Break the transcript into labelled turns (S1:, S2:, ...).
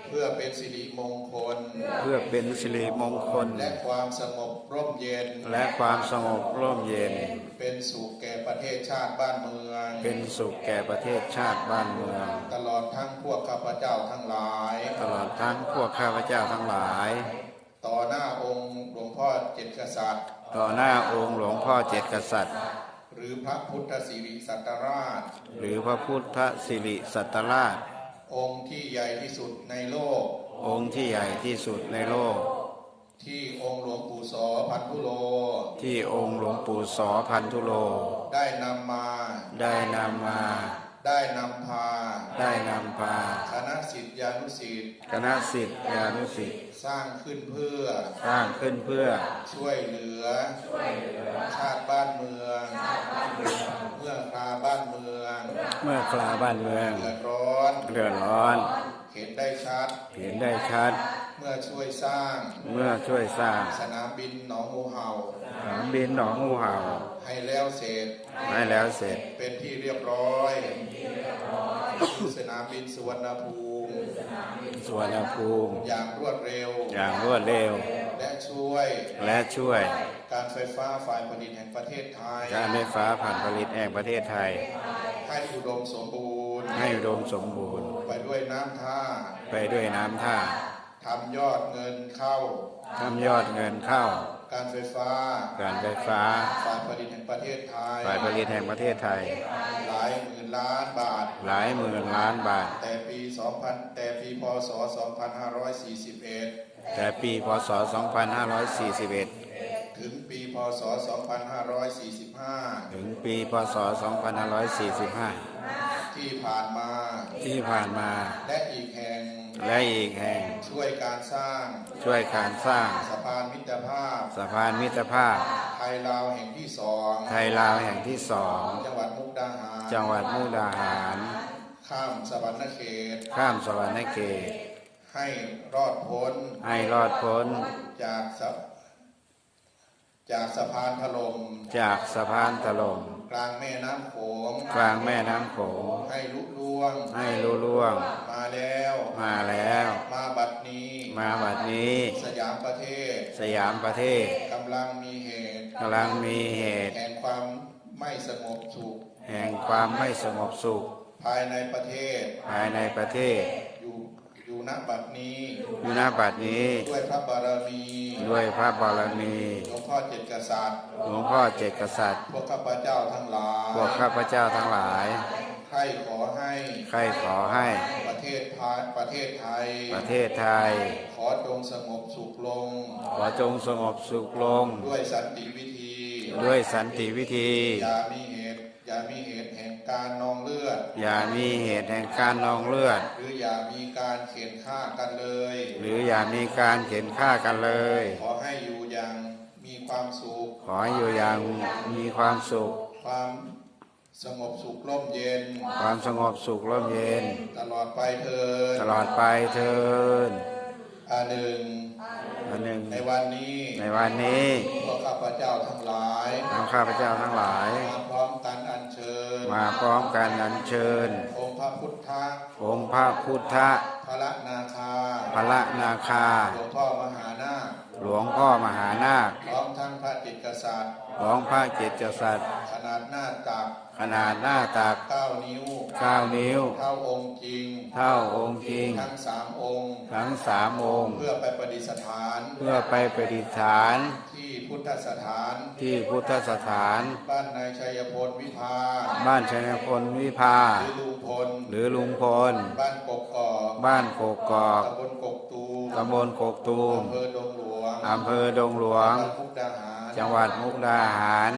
S1: เพื่อเป็นสิริมงคล
S2: เพื่อเป็นสิริมงคล
S1: และความสงบร่มเย็น
S2: และความสงบร่มเย็น
S1: เป็นสุขแก่ประเทศชาติบ้านเมือง
S2: เป็นสุขแก่ประเทศชาติบ้านเมือง
S1: ตลอดทั้งพวกข้าพเจ้าทั้งหลาย
S2: ตลอดทั้งพวกข้าพเจ้าทั้งหลาย
S1: ต่อหน้าองค์หลวงพ่อเจ็ดกษัตริย์
S2: ต่อหน้าองค์หลวงพ่อเจ็ดกษัตริย์
S1: หรือพระพุทธสิริสัตราช
S2: หรือพระพุทธสิริสัตราช
S1: องค์ที่ใหญ่ที่สุดในโลก
S2: องค์ที่ใหญ่ที่สุดในโลก
S1: ที่องค์หลวงปู่สอพันธุโล
S2: ที่องค์หลวงปู่สอพันธุโล
S1: ได้นำมา
S2: ได้นำพา
S1: คณะศิษยานุศิษย์
S2: คณะศิษยานุศิษย์
S1: สร้างขึ้นเพื่อช่วยเหลือชาติบ้านเมืองเมื่อคราบ้านเมือง
S2: เดือดร้อน
S1: เห็นได้ชัดเมื่อช่วยสร้างสนามบินหนองงูเห่าให้แล้วเสร็จเป็นที่เรียบร้อยสนามบินสุวรรณภูมิอย่างรวดเร็วและช่วยการไฟฟ้าฝ่ายผลิตแห่งประเทศไทยให้อุดมสมบูรณ์ไปด้วยน้ำท่าทำยอดเงินเข้าการไฟฟ้าฝ่ายผลิตแห่งประเทศไทยหลายหมื่นล้านบาทแต่ปีพ.ศ. 2541ถึงปีพ.ศ. 2545ที่ผ่านมาและอีกแห่งช่วยการสร้างสะพานมิตรภาพไทยลาวแห่งที่สองจังหวัดมุกดาหารข้ามสวรรณเขตให้รอดพ้นจากสะพานถล่มกลางแม่น้ำโขงให้ลุล่วงมาแล้วมาบัดนี้สยามประเทศกำลังมีเหตุแห่งความไม่สงบสุขภายในประเทศอยู่ณบัดนี้ด้วยพระบารมีหลวงพ่อเจ็ดกษัตริย์พวกข้าพเจ้าทั้งหลายใครขอให้ประเทศไทยขอจงสงบสุขลงด้วยสันติวิธีอย่ามีเหตุแห่งการนองเลือดหรืออย่ามีการเข็นฆ่ากันเลยขอให้อยู่อย่างมีความสุขความสงบสุขร่มเย็นตลอดไปเถิดอันหนึ่งในวันนี้พวกข้าพเจ้าทั้งหลายมาพร้อมกันอัญเชิญองค์พระพุทธพระนาคาหลวงพ่อมหานาคพร้อมทั้งพระเจ็ดกษัตริย์ขนาดหน้าตัก9 นิ้วเท่าองค์จริงทั้ง3 องค์เพื่อไปประดิษฐานที่พุทธสถานบ้านนายชัยพลวิภาหรือลุงพลบ้านกกอกตำบลกกตูมอำเภอดงหลวงจังหวัดมุกดาหาร